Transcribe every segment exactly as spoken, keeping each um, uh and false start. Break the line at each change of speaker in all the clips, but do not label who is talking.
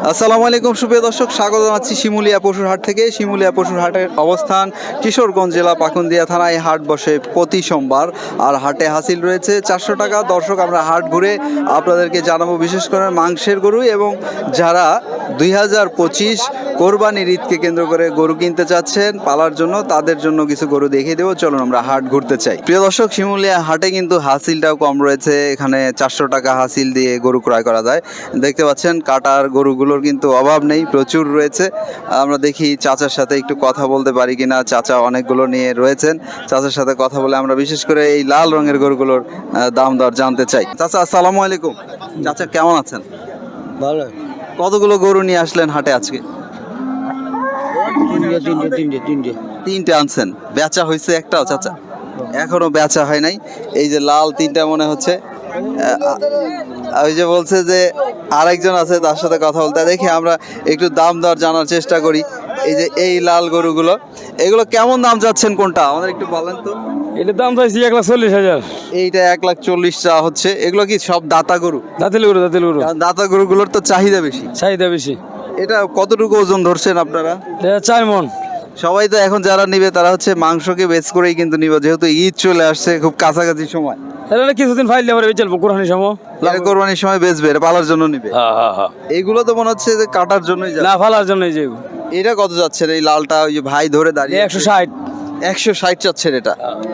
আসসালামু আলাইকুম সুপ্রিয় দর্শক, স্বাগত জানাচ্ছি শিমুলিয়া পশুর হাট থেকে। শিমুলিয়া পশুর হাটের অবস্থান কিশোরগঞ্জ জেলা পাকুন্দিয়া থানায়। হাট বসে প্রতি সোমবার, আর হাটে হাসিল রয়েছে চারশো টাকা। দর্শক, আমরা হাট ঘুরে আপনাদেরকে জানাবো বিশেষ করে মাংসের গরু, এবং যারা দুই হাজার পঁচিশ কোরবানির ঈদকে কেন্দ্র করে গরু কিনতে চাচ্ছেন পালার জন্য, তাদের জন্য কিছু গরু দেখিয়ে দেবো। চলুন আমরা হাট ঘুরতে চাই। প্রিয় দর্শক, শিমুলিয়া হাটে কিন্তু হাসিলটাও কম রয়েছে। এখানে চারশো টাকা হাসিল দিয়ে গরু ক্রয় করা যায়। দেখতে পাচ্ছেন কাটার গরুগুলোর কিন্তু অভাব নেই, প্রচুর রয়েছে। আমরা দেখি চাচার সাথে একটু কথা বলতে পারি কিনা। চাচা অনেকগুলো নিয়ে রয়েছেন, চাচার সাথে কথা বলে আমরা বিশেষ করে এই লাল রঙের গরুগুলোর দাম দর জানতে চাই। চাচা আসসালামু আলাইকুম। চাচা কেমন আছেন?
ভালো।
কতগুলো গরু নিয়ে আসলেন হাটে আজকে?
তিনটে তিনটে তিনটে তিনটে
তিনটে আনছেন। বেচা হয়েছে একটাও চাচা? এখনো বেচা হয় নাই। এই যে লাল তিনটা মনে হচ্ছে। ওই যে বলছে যে আরেকজন আছে, তার সাথে কথা বলতে দেখি আমরা একটু দাম দর জানার চেষ্টা করি। এই যে এই লাল গরুগুলো, এগুলো কেমন দাম যাচ্ছেন কোনটা আমাদের একটু বলেন তো।
এটার দাম চাইছি এক লাখ চল্লিশ হাজার।
এইটা এক লাখ চল্লিশ চাওয়া হচ্ছে। এগুলো কি সব দাতা গরু?
দাঁতিল গরু দাঁতিল গরু
কারণ দাতা গরুগুলোর তো চাহিদা বেশি।
চাহিদা বেশি।
এটা কতটুকু ওজন ধরছেন আপনারা?
এটা চার মন।
সবাই তো এখন যারা নিবে তারা হচ্ছে মাংসকে বেচ করেই কিন্তু নিবে, যেহেতু ঈদ চলে আসছে খুব কাছাকাছি সময়।
এটা কিছুদিন ফাইলে পরে বেচলবো কোরবানির সময়।
এটা কোরবানির সময় বেচবে, এটা পালার জন্য নিবে।
হ্যাঁ হ্যাঁ হ্যাঁ।
এইগুলো তো মনে হচ্ছে যে কাটার জন্যই যাবে।
না, ফালার জন্য যে
এটা কত যাচ্ছেন এই লালটা? ওই যে ভাই ধরে দাঁড়িয়ে
একশো ষাট।
একশো ষাট চাচ্ছেন এটা।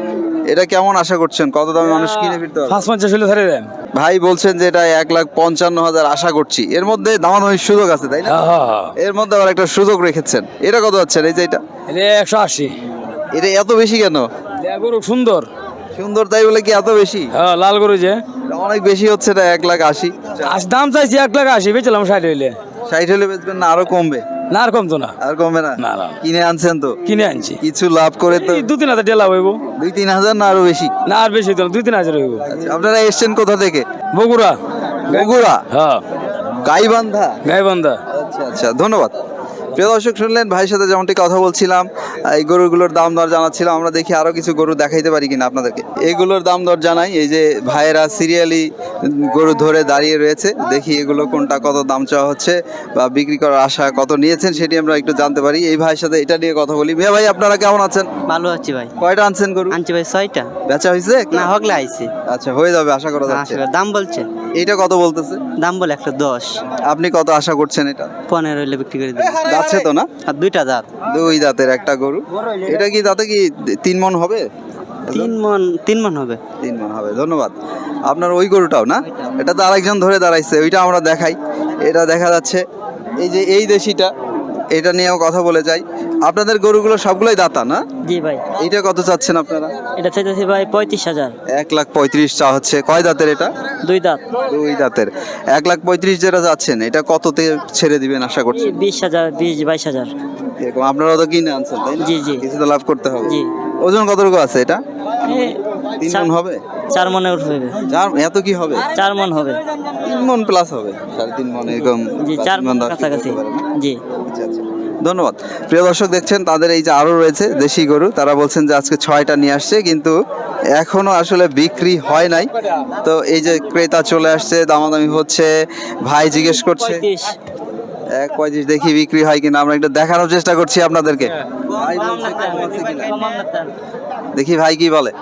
এটা কেমন আশা করছেন, কত দামে মানুষ কিনে ফিরতে হবে?
পাঁচ পঞ্চাশ হলে ধরে দেন।
ভাই বলছেন যে এটা এক লাখ পঞ্চান্ন হাজার আশা করছি। এর মধ্যে দামাদামির সুযোগ আছে, তাই না?
হ্যাঁ হ্যাঁ হ্যাঁ।
এর মধ্যে আবার একটা সুযোগ রেখেছেন। এটা কত যাচ্ছেন এই যে এটা?
এটা একশো আশি।
এটা এত বেশি কেন?
এটা গরু সুন্দর
সুন্দর তাই বলে কি এত বেশি?
হ্যাঁ, লাল গরু যে
এটা অনেক বেশি হচ্ছে। এটা এক লাখ আশি।
আশি দাম চাইছি এক লাখ আশি, বেচলাম ষাট হইলে।
ষাট হলে বেচবেন না আরো কমবে?
না, আর কমতো না।
আর কমবে না?
না না,
কিনে আনছেন তো,
কিনে আনছি।
কিছু লাভ করে তো
এই দু তিন হাজার ডেলা হইব।
দুই তিন হাজার না আরো বেশি?
না, আর বেশি তো না, দুই তিন হাজার হইব।
আচ্ছা, আপনারা এসছেন কোথা থেকে?
বগুড়া।
বগুড়া?
হ্যাঁ,
গাইবান্ধা।
গাইবান্ধা।
আচ্ছা আচ্ছা, ধন্যবাদ। প্রিয় দর্শক, শুনলেন ভাইয়ের সাথে যেমনটি কথা বলছিলাম, এই গরুগুলোর দাম দর জানাচ্ছিলাম। আমরা দেখি আরো কিছু গরু দেখাইতে পারি কিনা আপনাদেরকে। এইগুলোর দাম দর জানাই। এই যে ভাইয়েরা সিরিয়ালি গরু ধরে দাঁড়িয়ে রয়েছে, দেখি এগুলো কোনটা কত দাম চাওয়া হচ্ছে বা বিক্রি করার আশা কত নিয়েছেন সেটি আমরা একটু জানতে পারি। এই ভাইয়ের সাথে এটা নিয়ে কথা বলি। মিয়া ভাই, আপনারা কেমন আছেন?
ভালো আছি ভাই।
কয়টা আনছেন গরু?
আনছি ভাই ছয়টা।
বেচা হয়েছে?
না, হগলে আইছি।
আচ্ছা, হয়ে যাবে আশা করা যাচ্ছে।
আসলে দাম বলছে,
এইটা কত বলতেছে?
দাম বলে একটা দশ।
আপনি কত আশা করছেন এটা?
পনেরো হইলে বিক্রি করে দিই।
যাচ্ছে তো না?
আর দুইটা দাঁত।
দুই দাঁতের একটা গরু। এটা কি দাঁতে কি তিন মন হবে?
তিন মন তিন মন হবে।
তিন মন হবে। ধন্যবাদ। আপনার ওই গরুটাও না? এটা তো আরেকজন ধরে দাঁড়াইছে, ওইটা আমরা দেখাই। এটা দেখা যাচ্ছে এই যে এই দেশিটা, এটা নিয়েও কথা বলে যাই। আপনাদের গরুগুলো সবগুলোই দাতা না?
জি ভাই।
এইটা কত চাচ্ছেন আপনারা?
এটা চাইতেছি ভাই পঁয়ত্রিশ হাজার।
এক লাখ পঁয়ত্রিশ চা হচ্ছে। কয় দাঁতের এটা?
দুই দাঁত।
দুই দাঁতের। এক লাখ পঁয়ত্রিশ যেটা যাচ্ছেন, এটা কততে ছেড়ে দিবেন আশা করছি?
বিশ হাজার, বিশ বাইশ হাজার।
এরকম আপনারা তো কিনে আনছেন, তাই না?
জি জি
কিছু তো লাভ করতে হবে।
জি।
ওজন কতটুকু আছে এটা?
এই
তিন
চার-
মন হবে?
চার মনে উঠবে।
চার? এত কি হবে?
চার মন হবে।
তিন মন প্লাস হবে, সাড়ে তিন মন এরকম।
জি,
বা
চার
তিন
মন
দশ
কাছাকাছি।
করতে পারে না?
জি।
আচ্ছা আচ্ছা, ধন্যবাদ। প্রিয় দর্শক, দেখছেন তাদের এই যে আরো রয়েছে দেশি গরু, তারা বলছেন যে আজকে ছয়টা নিয়ে আসছে, কিন্তু এখনো আসলে বিক্রি হয় নাই। তো এই যে ক্রেতা চলে আসছে, দামাদামি হচ্ছে। ভাই জিজ্ঞেস করছে
পঁয়ত্রিশ।
এক পঁয়ত্রিশ, দেখি বিক্রি হয় কিনা। আমরা একটু দেখানোর চেষ্টা করছি আপনাদেরকে। ভাই বলছে কম আছে কিনা। দেখি ভাই কি বলে।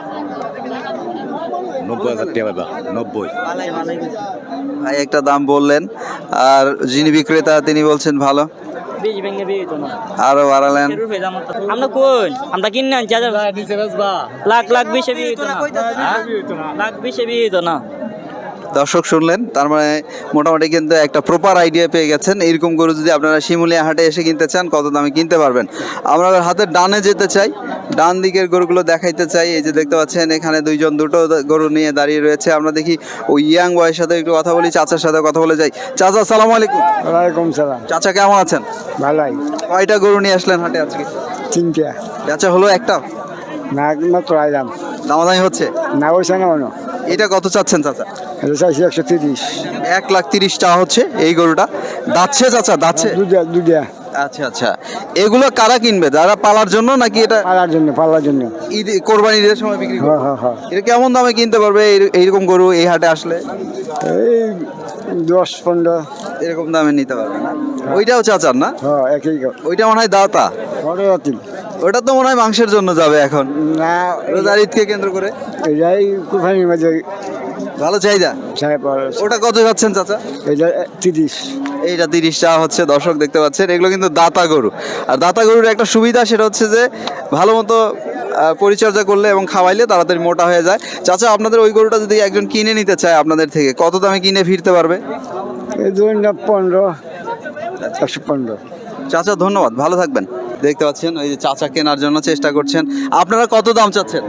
নব্বই হাজার টাকা দাম। নব্বই।
ভাই একটা দাম বললেন, আর যিনি বিক্রেতা তিনি বলছেন ভালো,
বিশ ভেঙে বিয়ে হইতো না।
আরো বাড়ালেন।
আমরা কোন আমরা কিনে আনছি হাজার লাখ লাখ বিশে বিয়ে হইতো না। লাখ বিশে বিয়ে হইতো না।
দর্শক শুনলেন, তার মানে মোটামুটি কিন্তু একটা প্রপার আইডিয়া পেয়ে গেছেন। এইরকম গরু যদি আপনারা শিমুলিয়া হাটে এসে কিনতে চান, কত দামে কিনতে পারবেন। আমরা হাতের ডানে যেতে চাই, ডান দিকের গরুগুলো দেখাইতে চাই। এই যে দেখতে পাচ্ছেন এখানে দুইজন দুটো গরু নিয়ে দাঁড়িয়ে রয়েছে। আমরা দেখি ওই ইয়াং বয়ের সাথে একটু কথা বলি, চাচার সাথে কথা বলে যাই। চাচা আসসালামু আলাইকুম।
ওয়ালাইকুম সালাম।
চাচা কেমন আছেন?
ভালোই।
কয়টা গরু নিয়ে আসলেন হাটে আজকে?
তিনটে।
বেচা হলো একটা?
না, মাত্র আইলাম।
দামাদামি হচ্ছে?
না, ওইসা না অন্য।
এটা কত চাচ্ছেন চাচা?
এটা চাইছি একশো তিরিশ।
এক লাখ তিরিশ টাকা হচ্ছে এই গরুটা। দাচ্ছে চাচা, দাচ্ছে?
দুটা দুটা।
আচ্ছা আচ্ছা, এগুলো কারা কিনবে? যারা পালার জন্য নাকি এটা
পালার জন্য, পালার জন্য।
ঈদ কোরবানি ঈদের সময় বিক্রি করবে?
হ্যাঁ হ্যাঁ হ্যাঁ।
এটা কেমন দামে কিনতে পারবে এই- এইরকম গরু এই হাটে আসলে?
এই দশ পনেরো।
এরকম দামে নিতে পারবে না? ওইটাও চাচার না?
হ্যাঁ একই গো।
ওইটা মনে হয় দাতা।
পরে রাতিল
ওটা তো মনে হয় মাংসের জন্য যাবে এখন,
না
রোজার ঈদকে কেন্দ্র করে।
এটাই কুরবানির মাঝে
ভালো চাহিদা।
সাহেব
ওটা কত যাচ্ছেন চাচা?
এটা তিরিশ।
এইটা তিরিশ টাকা হচ্ছে, দর্শক দেখতে পাচ্ছেন। এগুলো কিন্তু দাতা গরু। আর দাতা গরুর একটা সুবিধা, সেটা হচ্ছে যে ভালো মতো আহ, পরিচর্যা করলে এবং খাওয়াইলে তাড়াতাড়ি মোটা হয়ে যায়। চাচা, আপনাদের ওই গরুটা যদি একজন কিনে নিতে চায় আপনাদের থেকে, কত দামে কিনে ফিরতে পারবে?
এই ধরুন না পনেরো, একশো পনেরো।
চাচা ধন্যবাদ, ভালো থাকবেন। দেখতে পাচ্ছেন ওই যে চাচা কেনার জন্য চেষ্টা করছেন। আপনারা কত দাম চাচ্ছেন?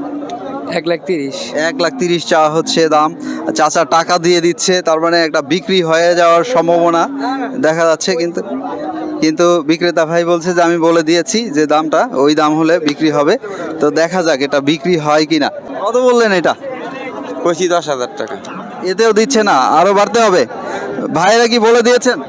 এক লাখ তিরিশ।
এক লাখ তিরিশ চাওয়া হচ্ছে দাম। চাচা টাকা দিয়ে দিচ্ছে, তার মানে একটা বিক্রি হয়ে যাওয়ার সম্ভাবনা দেখা যাচ্ছে। কিন্তু কিন্তু বিক্রেতা ভাই বলছে যে আমি বলে দিয়েছি যে দামটা, ওই দাম হলে বিক্রি হবে। তো দেখা যাক এটা বিক্রি হয় কিনা। কত বললেন এটা?
পঁচিশ দশ হাজার টাকা।
এতেও দিচ্ছে না, আরো বাড়তে হবে। ভাইয়েরা কি বলে দিয়েছেন?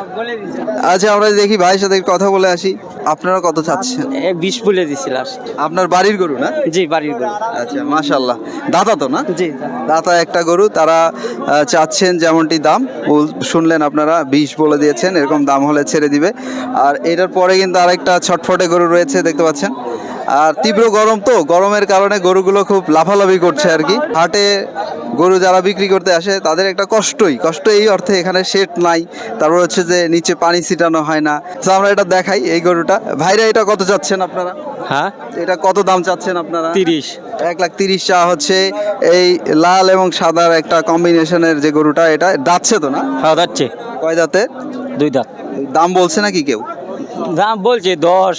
আচ্ছা, আমরা দেখি ভাইয়ের সাথে কথা বলে আসি। আপনারা কত চাচ্ছেন?
বিশ বলে দিছি লাস্ট।
আপনার বাড়ির গরু না?
জি বাড়ির গরু।
আচ্ছা, মাশাল্লাহ। দাতা তো না?
জি
দাতা একটা গরু, তারা আহ, চাচ্ছেন যেমনটি দাম বল- শুনলেন আপনারা, বিশ বলে দিয়েছেন। এরকম দাম হলে ছেড়ে দিবে। আর এটার পরে কিন্তু আরেকটা ছটফটে গরু রয়েছে, দেখতে পাচ্ছেন। আর তীব্র গরম, তো গরমের কারণে গরুগুলো খুব লাফালাফি করছে আর কি। হাটে গরু যারা বিক্রি করতে আসে তাদের একটা কষ্টই কষ্ট এই অর্থে, এখানে শেড নাই, তারপর হচ্ছে যে নিচে পানি ছিটানো হয় না। তো আমরা এটা দেখাই এই গরুটা। ভাইরা এটা কত চাচ্ছেন আপনারা?
হ্যাঁ
এটা কত দাম চাচ্ছেন আপনারা?
তিরিশ।
এক লাখ তিরিশ চা হচ্ছে। এই লাল এবং সাদার একটা কম্বিনেশনের যে গরুটা, এটা দাঁতছে তো না?
খাওয়া যাচ্ছে
কয় দাঁতে?
দুই দাঁত।
দাম বলছে নাকি কেউ?
দাম বলছে দশ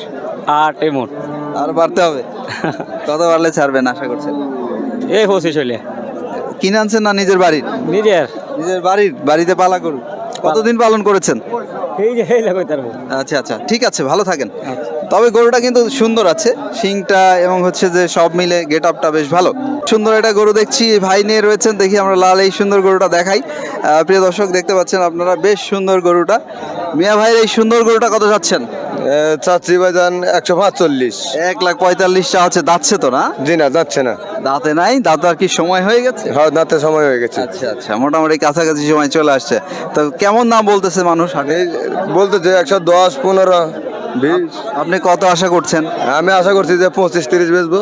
আট এমন।
আর বাড়তে হবে? কত বাড়লে ছাড়বেন আশা করছেন?
এই পঁচিশ হলে।
কিনে আনছেন না নিজের বাড়ির?
নিজের
নিজের বাড়ির, বাড়িতে পালা গরু। কতদিন পালন করেছেন?
এই যে এই লাগাই তারপর।
আচ্ছা আচ্ছা, ঠিক আছে, ভালো থাকেন। তবে গরুটা কিন্তু সুন্দর আছে, শিংটা এবং হচ্ছে যে সব মিলে গেট আপটা বেশ ভালো। সুন্দর একটা গরু দেখছি, ভাই নিয়ে রয়েছেন। দেখি আমরা লাল এই সুন্দর গরুটা দেখাই। আহ, প্রিয় দর্শক দেখতে পাচ্ছেন আপনারা, বেশ সুন্দর গরুটা। মিয়া ভাইয়ের এই সুন্দর গরুটা কত যাচ্ছেন?
চাচ্ছি ভাইজান একশো পাঁচচল্লিশ।
এক লাখ পঁয়তাল্লিশ চা হচ্ছে। দাঁতছে তো না?
জি না, যাচ্ছে না।
দাঁতে নাই? দাঁত আর কি সময় হয়ে গেছে?
হ্যাঁ, দাঁতে সময় হয়ে গেছে।
আচ্ছা আচ্ছা, মোটামুটি কাছাকাছি সময় চলে আসছে। তো কেমন দাম বলতেছে মানুষ হাটে?
এই বলতে যে একশো দশ পনেরো বিশ।
আপনি কত আশা করছেন?
আমি আশা করছি যে পঁচিশ তিরিশ বেচবো।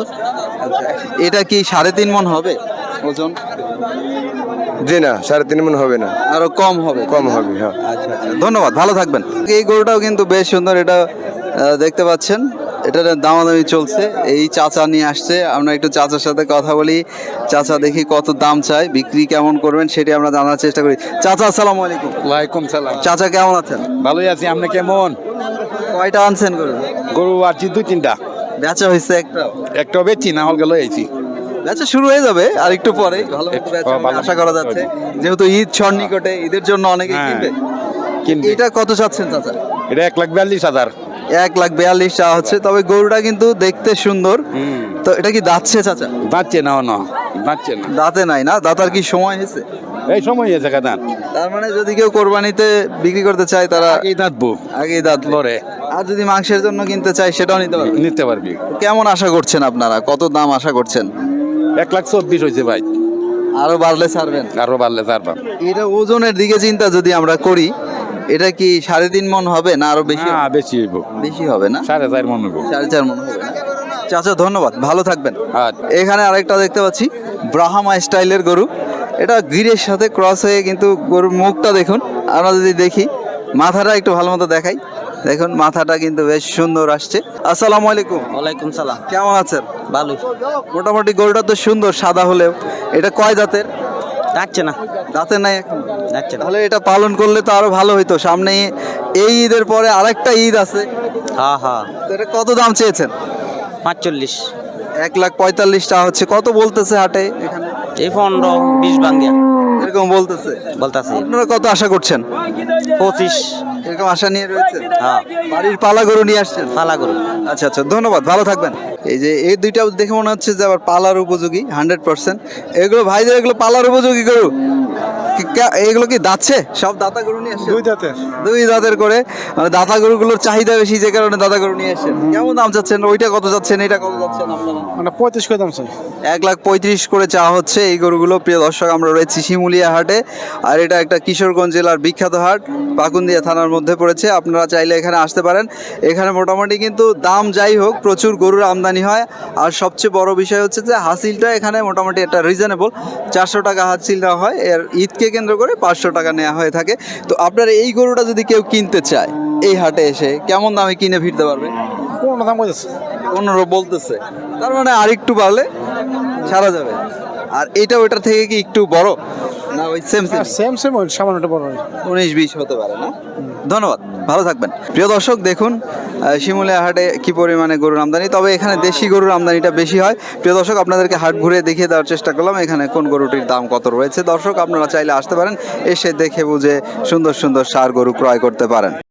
এটা কি সাড়ে তিন মন হবে ওজন?
জি না, সাড়ে তিন মন হবে না,
আরো কম হবে?
কম হবে। হ্যাঁ,
আচ্ছা আচ্ছা, ধন্যবাদ, ভালো থাকবেন। এই গরুটাও কিন্তু বেশ সুন্দর, এটা আহ, দেখতে পাচ্ছেন। এটার দামাদামি চলছে। এই চাচা নিয়ে আসছে, আমরা একটু চাচার সাথে কথা বলি। চাচা দেখি কত দাম চাই, বিক্রি কেমন করবেন সেটি আমরা জানার চেষ্টা করি। চাচা আসসালামু আলাইকুম।
ওয়ালাইকুম সালাম।
চাচা কেমন আছেন?
ভালোই আছি, আপনি কেমন?
কয়টা আনছেন গরু?
গরু আছি দুই তিনটা,
বেচা হয়েছে একটা?
একটা বেচি না হল গেল আইছি।
বেচা শুরু হয়ে যাবে আর একটু পরে, ভালো মতো বেচা
ও, ভালো।
আশা করা যাচ্ছে। যেহেতু ঈদ ছর নিকটে, ঈদের জন্য অনেকে
হ্যাঁ,
কিনবে।
কিনবে।
এটা কত চাচ্ছেন চাচা?
এটা এক লাখ বিয়াল্লিশ হাজার।
এক লাখ বিয়াল্লিশ চাওয়া হচ্ছে। তবে গরুটা কিন্তু দেখতে সুন্দর।
হুম,
তো এটা কি দাঁতছে চাচা?
যাচ্ছে না, না যাচ্ছে না,
দাঁতে নাই না? দাঁতার কি সময় হয়েছে?
এই সময় আছে কাদান।
তার মানে যদি কেউ কোরবানিতে বিক্রি করতে চায় তারা
এই দাঁতবো
আগেই দাঁত
লড়ে
আর যদি মাংসের জন্য কিনতে চায় সেটাও নিতে পারবে।
নিতে পারবি।
কেমন আশা করছেন আপনারা? কত দাম আশা করছেন?
এক লাখ চব্বিশ হয়েছে ভাই,
আরো বাড়লে ছাড়বেন?
আরো বাড়লে ছাড়বাম।
এটা ওজনের দিকে চিন্তা যদি আমরা করি, এটা কি সাড়ে তিন মন হবে না আরো বেশি?
হ্যাঁ, বেশি হইব,
বেশি হবে না?
সাড়ে চার মন হইব।
সাড়ে চার মন হবে না? চাচা ধন্যবাদ, ভালো থাকবেন।
আর
এখানে আরেকটা দেখতে পাচ্ছি ব্রাহ্মা স্টাইলের গরু। এটা গিরের সাথে ক্রস হয়ে, কিন্তু গরুর মুখটা দেখুন। আমরা যদি দেখি, মাথাটা একটু ভালো মতো দেখাই। দেখুন মাথাটা কিন্তু বেশ সুন্দর আসছে। আসসালামু আলাইকুম।
ওয়ালাইকুম সালাম।
কেমন আছেন?
ভালোই।
মোটামুটি গরুটা তো সুন্দর, সাদা হলেও। এটা কয় দাঁতের?
যাচ্ছে না,
দাঁতের নাই এখন?
যাচ্ছে না।
তাহলে এটা পালন করলে তো আরো ভালো হইতো। সামনে এই ঈদের পরে আরেকটা ঈদ আছে।
হ্যাঁ হ্যাঁ।
তো এটা কত দাম চেয়েছেন?
পাঁচচল্লিশ।
এক লাখ পঁয়তাল্লিশ টাকা হচ্ছে। কত বলতেছে হাটে এখানে?
এই পনেরো বিশ বাঙ্গিয়া
এরকম বলতেছে।
বলতাছি।
আপনারা কত আশা করছেন?
পঁচিশ।
এরকম আশা নিয়ে রয়েছে?
হ্যাঁ,
বাড়ির পালা গরু নিয়ে আসছেন?
পালা গরু।
আচ্ছা আচ্ছা, ধন্যবাদ, ভালো থাকবেন। এই যে এই দুইটা দেখে মনে হচ্ছে যে আবার পালার উপযোগী হান্ড্রেড পার্সেন্ট। এগুলো ভাইদের, এগুলো পালার উপযোগী গরু। কি- কে- এগুলো কি দাচ্ছে সব দাতা গরু নিয়ে আসছে
দুই জাতের
দুই দাঁতের করে, মানে দাতা গরুগুলোর চাহিদা বেশি যে কারণে দাতা গরু নিয়ে আসছেন। কেমন দাম চাচ্ছেন? ওইটা কত যাচ্ছেন, এটা কত যাচ্ছেন আপনারা?
মানে পঁয়ত্রিশ করে দাম চাই।
এক লাখ পঁয়ত্রিশ করে চাওয়া হচ্ছে এই গরুগুলো। প্রিয় দর্শক, আমরা রয়েছি শিমুলিয়া হাটে, আর এটা একটা কিশোরগঞ্জ জেলার বিখ্যাত হাট, পাকুন্দিয়া থানার মধ্যে পড়েছে। আপনারা চাইলে এখানে আসতে পারেন। এখানে মোটামুটি কিন্তু দাম যাই হোক, প্রচুর গরুর আমদানি হয়। আর সবচেয়ে বড় বিষয় হচ্ছে যে হাসিলটা এখানে মোটামুটি একটা রিজনেবল, চারশো টাকা হাসিল দেওয়া হয়। এর ঈদকে কেন্দ্র করে পাঁচশো টাকা নেওয়া হয়ে থাকে। তো আপনার এই গরুটা যদি কেউ কিনতে চায় এই হাটে এসে কেমন দামে কিনে ফিরতে পারবে?
পনেরো দাম বলতেছে।
পনেরো বলতেছে, তার মানে আর একটু বাড়লে ছাড়া যাবে। আর এটা ওটার থেকে কি একটু বড় না ওই সেম সেম?
সেম সেম ওই সামান্য বড় হয়।
উনিশ বিশ হতে পারে না? ধন্যবাদ, ভালো থাকবেন। প্রিয় দর্শক, দেখুন আহ, শিমুলিয়া হাটে কি পরিমাণে গরুর আমদানি, তবে এখানে দেশি গরুর আমদানিটা বেশি হয়। প্রিয় দর্শক, আপনাদেরকে হাট ঘুরে দেখিয়ে দেওয়ার চেষ্টা করলাম এখানে কোন গরুটির দাম কত রয়েছে। দর্শক, আপনারা চাইলে আসতে পারেন, এসে দেখে বুঝে সুন্দর সুন্দর ষাঁড় গরু ক্রয় করতে পারেন।